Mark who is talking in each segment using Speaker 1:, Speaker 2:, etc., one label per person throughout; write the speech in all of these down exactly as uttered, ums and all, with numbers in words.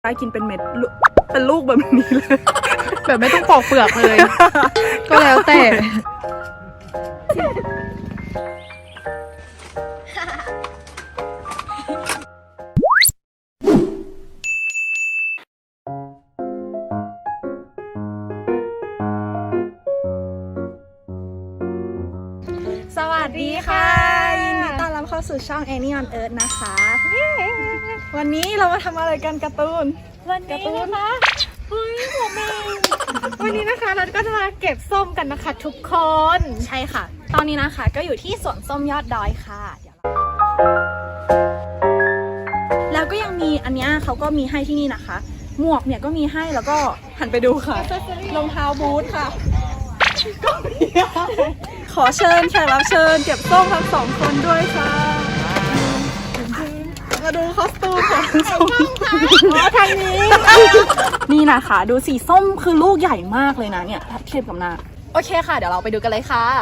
Speaker 1: ได้กินเป็นเม็ดเป็นลูกแบบนี้เลย
Speaker 2: แบบไม่ต้องปอกเปลือกเลย ก็แล้วแต่
Speaker 1: สวัสดีค่ะยินดีต้อนรับเข้าสู่ช่อง Annie on Earth นะคะวันนี้เรามาทำอะไรกันการ์ตูน
Speaker 2: วันนี้นะคะเฮ้ยผมเองวันนี้นะคะเราก็จะมาเก็บส้มกันนะคะทุกคน
Speaker 1: ใช่ค่ะตอนนี้นะคะก็อยู่ที่สวนส้มยอดดอยค่ะเดี๋ยวแล้วก็ยังมีอันนี้เขาก็มีให้ที่นี่นะคะหมวกเนี่ยก็มีให้แล้วก็หันไปดูค่ะรองเท้าบูทค่ะก็มีขอเชิญแขกรับเชิญเก็บส้มทั้งสองคนด้วยค่ะมาดูคอสตูมของส้มอ๋อทางนี้นี่นะคะดูสีส้มคือลูกใหญ่มากเลยนะเนี่ยเทียบกับหน้าโอเคค่ะเดี๋ยวเราไปดูกันเลยค่ะ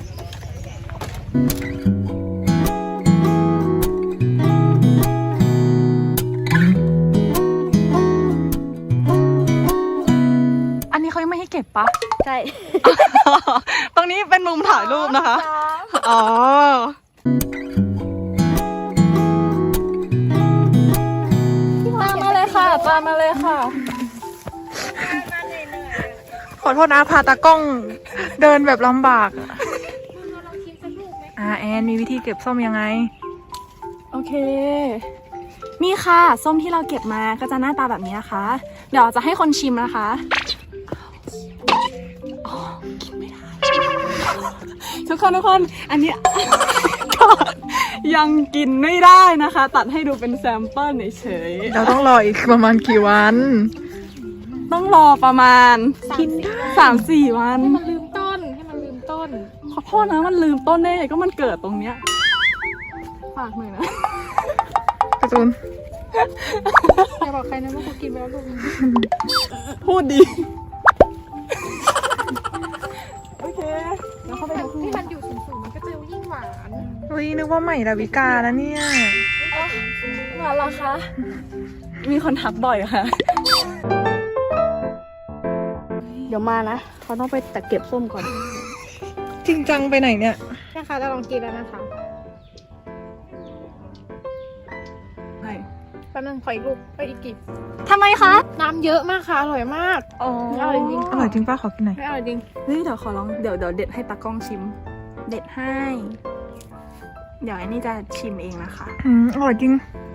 Speaker 1: อันนี้เขายังไม่ให้เก็บปะ
Speaker 2: ใช่
Speaker 1: ตรงนี้เป็นมุมถ่ายรูปนะคะอ๋อตามมาเลยค่ะตามมาเลยค่ะ
Speaker 2: ขอโทษนะพาตากล้องเดินแบบลำบากอ่าแอนมีวิธีเก็บส้มยังไง
Speaker 1: โอเคนี่ค่ะส้มที่เราเก็บมาก็จะหน้าตาแบบนี้นะคะเดี๋ยวจะให้คนชิมนะคะอ๋อกินไม่ได้ทุกคนทุกคนอันนี้ก็ยังกินไม่ได้นะคะตัดให้ดูเป็นแซมเปิลเฉยๆ
Speaker 2: เราต้องรออีกประมาณกี่วัน
Speaker 1: ต้องรอประมาณกินสามสี่วัน
Speaker 2: ให้มันลืมต้นให้มันลืมต้น
Speaker 1: ขอโทษนะมันลืมต้นได้ก็มันเกิดตรงเนี้ยฝากหน่อยนะ
Speaker 2: กระตูนอย่าบอกใครนะว่ากูกินไปแล้วลูก
Speaker 1: พูดดีโอเคแล้วเข้าไปดู
Speaker 2: ที่มันอยู่สูงๆมันก็จะยิ่งหวานเฮ้ยนึกว่าใหม่ดาวิกาแล้วเนี่ย
Speaker 1: มาละคะมีคนทักบ่อยค่ะเดี๋ยวมานะเขาต้องไปแต่เก็บส้มก่อน
Speaker 2: จริงจังไปไหนเนี่ยแม่ค้าจะลองกินแล้วนะคะ
Speaker 1: ใช่
Speaker 2: แป๊บนึงขออีกลูกไปอีกกี่
Speaker 1: ทำไมคะ
Speaker 2: น้ำเยอะมากค่ะอร่อยมาก
Speaker 1: อ๋อ
Speaker 2: อร่อยจริงอร่อยจริงป้าขอกินหน่อยไม่อร่อยจริง
Speaker 1: เฮ้ยเดี๋ยวขอลองเดี๋ยวเดี๋ยวเด็ดให้ตากล้องชิมเด็ดให้เดี๋ยวอันนี้จะชิมเองนะคะ
Speaker 2: อืมอร่อยจริง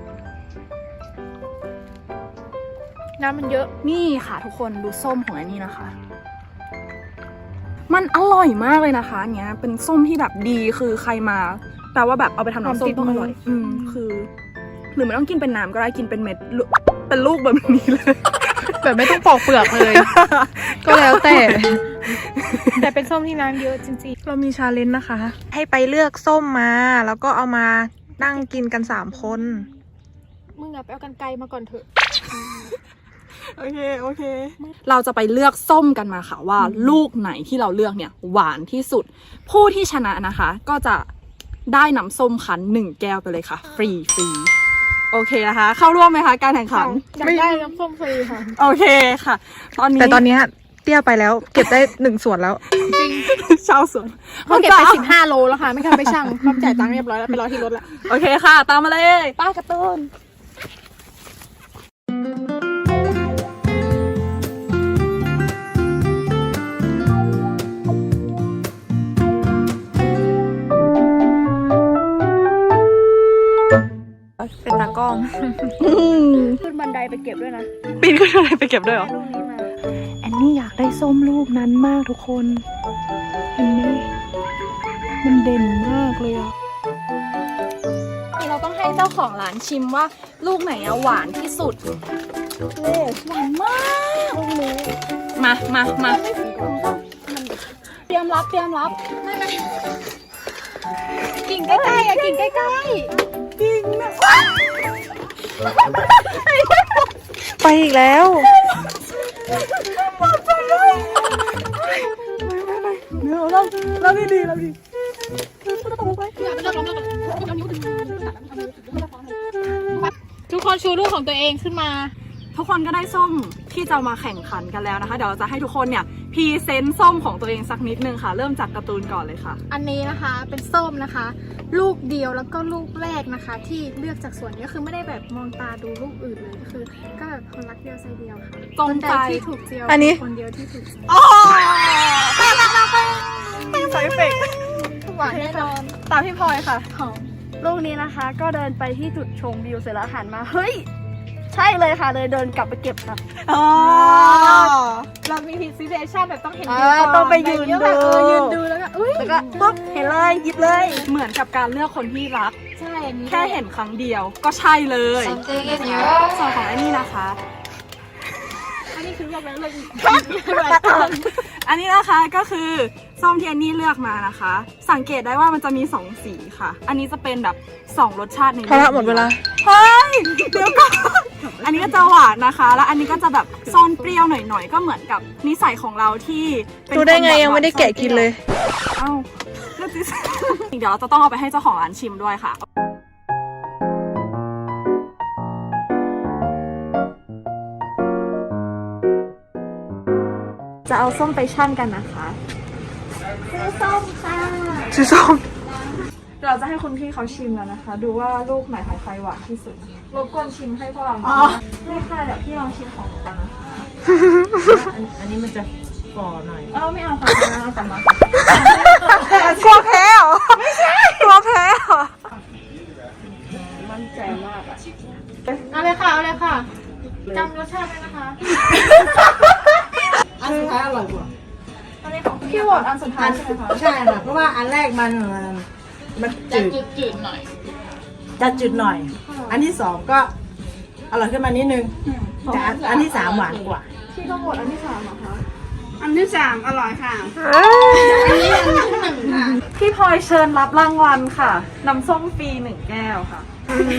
Speaker 2: น้ำมันเยอะ
Speaker 1: นี่ค่ะทุกคนดูส้มของอันนี้นะคะมันอร่อยมากเลยนะคะอันเนี้ยเป็นส้มที่แบบดีคือใครมาแต่ว่าแบบเอาไปทำน้ำส้มต้องอร่อยอืมคือหรือไม่ต้องกินเป็นน้ำก็ได้กินเป็นเม็ดเป็นลูกแบบนี้เลย
Speaker 2: แบบไม่ต้องปอกเปลือกเลยก็แล้วแต่แต่เป็นส้มที่น้ำเยอะจริงๆเรามีชาเลนจ์นะคะให้ไปเลือกส้มมาแล้วก็เอามานั่งกินกันสามคนมึงอะไปเอากันไกลมาก่อนเถอะ
Speaker 1: โอเคโอเคเราจะไปเลือกส้มกันมาค่ะว่าลูกไหนที่เราเลือกเนี่ยหวานที่สุดผู้ที่ชนะนะคะก็จะได้น้ำส้มคั้นหนึ่งแก้วไปเลยค่ะฟรีฟรีโอเคนะคะเข้าร่วมไหมคะการแข่งขัน
Speaker 2: ไม่ได้น้ำส้มฟรีค่ะ
Speaker 1: โอเคค่ะตอนนี้
Speaker 2: แต่ตอนนี้เตี้ยไปแล้วเก็บได้หนึ่งส่วนแล้วจริง
Speaker 1: ชาวสวน
Speaker 2: เขาเก็บไปสิบห้าโลแล้วค่ะไม่ทันไปชั่งเขาจ่ายตังค์เรียบร้อยแล้วไปรอที่รถแล้ว
Speaker 1: โอเคค่ะตามมาเลยป้ากระตุ้น
Speaker 2: เป็นตากล้องขึ้นบันไดไปเก็บด้วยนะ
Speaker 1: ปีนขึ้นบันไดไปเก็บด้วยเหรอแอนนี่อยากได้ส้มลูกนั้นมากทุกคนเห็นไหมมันเด่นมากเลยอ่ะเราต้องให้เจ้าของร้านชิมว่าลูกไหนอะหวานที่สุดหวานมากมามามาเตรียมรับเตรียมรับไม่ไม่
Speaker 2: กิ่งใกล้ๆอะกิ่งใกล้ๆ
Speaker 1: กิ่งนะ
Speaker 2: ไปอีกแล้ว
Speaker 1: เดี๋ยวเราเราดีดีเราดี
Speaker 2: ทุกคนชูลูกของตัวเองขึ้นมา
Speaker 1: ทุกคนก็ได้ส้มที่จะมาแข่งขันกันแล้วนะคะเดี๋ยวเราจะให้ทุกคนเนี่ยพรีเซนต์ส้มของตัวเองสักนิดนึงค่ะเริ่มจากการ์ตูนก่อนเลยค่ะ
Speaker 3: อันนี้นะคะเป็นส้มนะคะ ลูกเดียวแล้วก็ลูกแรกนะคะ ที่เลือกจากสวนนี้ก็คือไม่ได้แบบมองตาดูลูกอื่นเลยก็คือ ก็แบบคนรักเดียวใจเดียวค่ะ
Speaker 1: ตรงใจ
Speaker 3: คนใดที่ถูกเจียว
Speaker 2: อันนี้
Speaker 3: คนเดียวที่ถูกใจ
Speaker 1: อ๋อใส่เฟก
Speaker 3: หวานแน่นอน
Speaker 1: ตามพี่พลอยค่ะ
Speaker 3: หอม
Speaker 4: ลูกนี้นะคะก็เดินไปที่จุดชมวิวเสร็จแล้วหันมาเฮ้ยใช่เลยค่ะเลยเดินกลับไปเก็บค่ะ
Speaker 1: อ๋อ
Speaker 3: เรามีพิซิเดชันแบบต้องเห็น
Speaker 4: อ่า
Speaker 3: วิวก่น
Speaker 4: ต้องไปยืน
Speaker 3: แบบ
Speaker 4: ดู
Speaker 3: เออยืนดูแล้วก็อุ้ย
Speaker 4: แล้วก็ปุ๊บเห็นเลยหยิบเลย
Speaker 1: เหมือนกับการเลือกคนที่รัก
Speaker 3: ใช่อันนี้
Speaker 1: แค่เห็นครั้งเดียวก็ใช่เลยส่วนของอันนี้นะคะ
Speaker 3: อันนี้คือเลือกแล้วเลือกอีก
Speaker 1: อันนี้นะคะก็คือส้มที่อันนี้เลือกมานะคะ สังเกตได้ว่ามันจะมีสองสีค่ะ อันนี้จะเป็นแบบสองรสชาติใน
Speaker 2: พอละหมดเวลา
Speaker 1: เฮ้ยเดี๋ยวก่อนอันนี้ก็จะหวานนะคะ แล้วอันนี้ก็จะแบบซ่อนเปรี้ยวหน่อยๆก็เหมือนกับนิสัยของเราที่เป็น
Speaker 2: ดูได้ไง
Speaker 1: คนหวานๆ
Speaker 2: ยังไม่ได้แกะกินเลย
Speaker 1: เอ้าเลือกสิเดี๋ยวเราจะต้องเอาไปให้เจ้าของร้านชิมด้วยค่ะ จะเอาส้มไปชั่นกันนะคะ
Speaker 2: ซื้อส้ม
Speaker 1: เราจะให้คุณพี่เขาชิมแล้วนะคะ ดูว่าลูกไหนของใครหวานที่สุดรบกวนชิมให้พวกเราไม่ค่ะเดี๋ยวพี่ลองชิมของหนูก่อนนะคะ
Speaker 5: อันนี้มันจะฝ่อหน่อย
Speaker 1: เออไม่เอาค่ะเอากลับมาก
Speaker 2: ลัวแพ้เหรอ ไม่ใช่ กลัวแพ้เหรอ
Speaker 1: มั่นใจมากอะ
Speaker 3: เอาเลยค่ะเอาเลยค่ะจำรสชาติไว้นะคะ
Speaker 5: อันสุดท้ายอร่อยกว่า
Speaker 1: อันนี้ของพี่โหวตอันสุดท้ายใช่ไหมคะ
Speaker 5: ใช่ค่ะเพราะว่าอันแรกมันมันจืดจืดหน่อย จะจืดหน่อย อันที่สองก็อร่อยขึ้นมานิดนึงแต่อันอันที่สามหวานกว่า
Speaker 1: พี่ก็โหวตอันที่สามเหรอคะ
Speaker 5: อันที่สามอร่อยค่ะ
Speaker 1: พี่พลอยเชิญรับรางวัลค่ะน้ำส้มฟรีหนึ่งแก้วค่ะ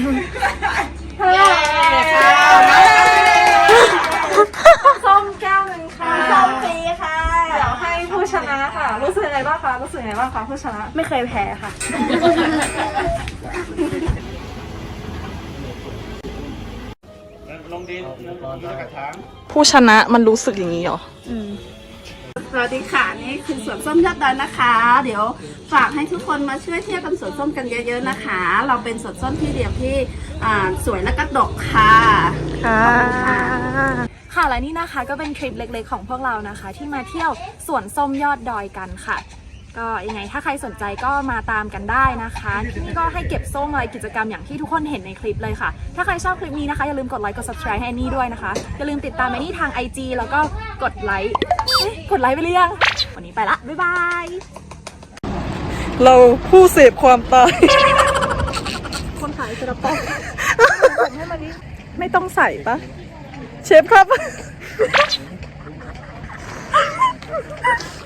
Speaker 1: ส้มแก้วหนึ่งค่ะส้มฟรีค่ะเดี๋ยวให้ผู้ชนะค่ะ รู้สึกยังไงบ้างคะรู้สึกยังไงบ้างคะผู้ชนะ
Speaker 4: ไม่เคยแพ้ค่ะ
Speaker 6: ลงดินลงดินกระถาง
Speaker 1: ผู้ชนะมันรู้สึกอย่างนี้เหรอ
Speaker 7: สวัสดีค่ะนี่คือสวนส้มยอดดอยนะคะ เดี๋ยวฝากให้ทุกคนมาช่วยเที่ยวกันสวนส้มกันเยอะๆนะคะ เราเป็นสวนส้มที่เดียวที่อ่าสวยและก็ดกค่ะ
Speaker 2: ค่ะ
Speaker 1: ค่ะและนี่นะคะก็เป็นคลิปเล็กๆของพวกเรานะคะ ที่มาเที่ยวสวนส้มยอดดอยกันค่ะ ก็ยังไงถ้าใครสนใจก็มาตามกันได้นะคะนี่ก็ให้เก็บส้มอะไรกิจกรรมอย่างที่ทุกคนเห็นในคลิปเลยค่ะ ถ้าใครชอบคลิปนี้นะคะอย่าลืมกดไลค์กด subscribe ให้แอนนี่ด้วยนะคะอย่าลืมติดตามแอนนี่ทาง ไอ จี แล้วก็กดไลค์เอ๊ะกดไลค์ไปหรือยังวันนี้ไปละบ๊ายบาย
Speaker 2: เราผู้เสพความตาย
Speaker 1: คนขายกระป๋องไม่ต้องใส่ปะเชฟครับ